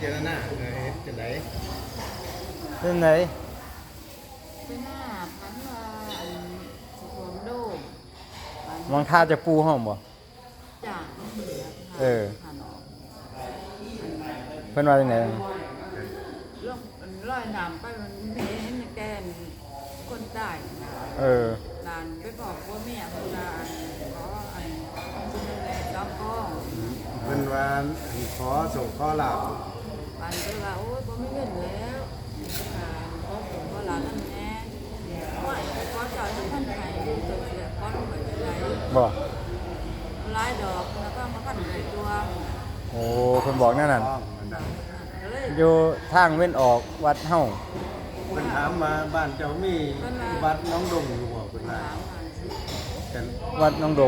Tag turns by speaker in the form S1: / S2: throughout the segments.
S1: จารณาเฮ็ดจังได๋
S2: เป็นไหน
S3: เป็นหน้าพันว่าอันสุขมโดม
S2: มองท่าจะปูห้องบ่
S3: จากเหนือผ่านออก
S2: เพิ่นว่าจังได๋
S3: เรื่องร้อยน้ำไปมันเห็นแกนคนใต้นานไปบอกว่าแม่คนนานขออันคุณดูแลจ้าพ่อ
S1: เพิ่นว่าขอส่งขอลาบ
S3: ปันก็ว่าโอ้ยผมไม่เงินแล้วขอส่งขอลาบนั่นแน่ว่าขอจ่ายท่านไทยดูตัวเสียขอลงไปจะไหน
S2: บ่
S3: หลายดอกแล้วก็มาพันในตัว
S2: โอ้เพิ่นบอกแน่นั่นอยู่ทางเว้นออกวัดเฮา
S1: เพิ่นถามมาบ้านเจ้ามีวัดน้องดงอยู่บ่เพิ่นว่า
S2: วัดน้องดง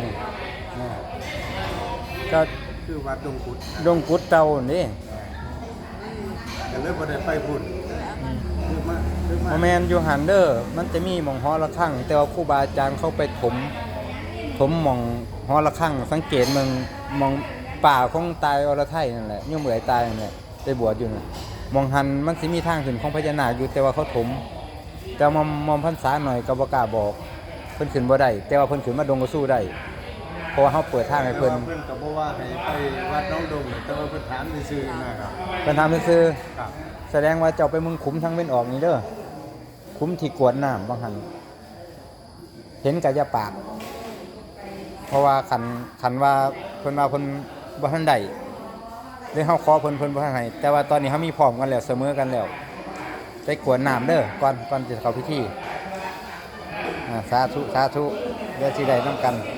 S2: ก็
S1: คือวัดดงกุด
S2: ดงกุดเต่านี่
S1: ก็เลยบ่ได้ไปพุ่นคือ
S2: มาแม่นอยู่หันเด้อมันจะมีหม่องหอระฆังแต่ว่าครูบาอาจารย์เขาไปถมหม่องหอระฆังสังเกตเมืองมองป่าของตายอรไทยนั่นแหละย่อมเหมือยตายนั่นแหละไปบวชอยู่น่ะมองหันมันสิมีทางขึ้นของพญานาคอยู่แต่ว่าเขาถมแต่มอมพรรษาหน่อยก็บ่กล้าบอกเพิ่นขึ้นบ่ได้แต่ว่าเพิ่นขึ้นมาดงก็สู้ได้เพราะว่าเฮาเปิดทางให้เพิ่น
S1: ก็บ่ว่าให้ไปวัดน้องดงแต่ว่าเพิ่นถามซื่อๆนะครับ
S2: เพิ่นถามซื่อๆแสดงว่าเจ้าไปเมืองขุมทางเว้นออกนี่เด้อขุมที่กวดน้ำบางหันเห็นกะอย่าปากเพราะว่าคันว่าเพิ่นว่าเพิ่นบ่ทันได้เลยเฮาขอเพิ่นบ่ทันให้แต่ว่าตอนนี้เฮามีพร้อมกันแล้วเสมอกันแล้วไปกวดน้ำเด้อก่อนจะเข้าพิธีสาธุเดี๋ยวสิได้นำกัน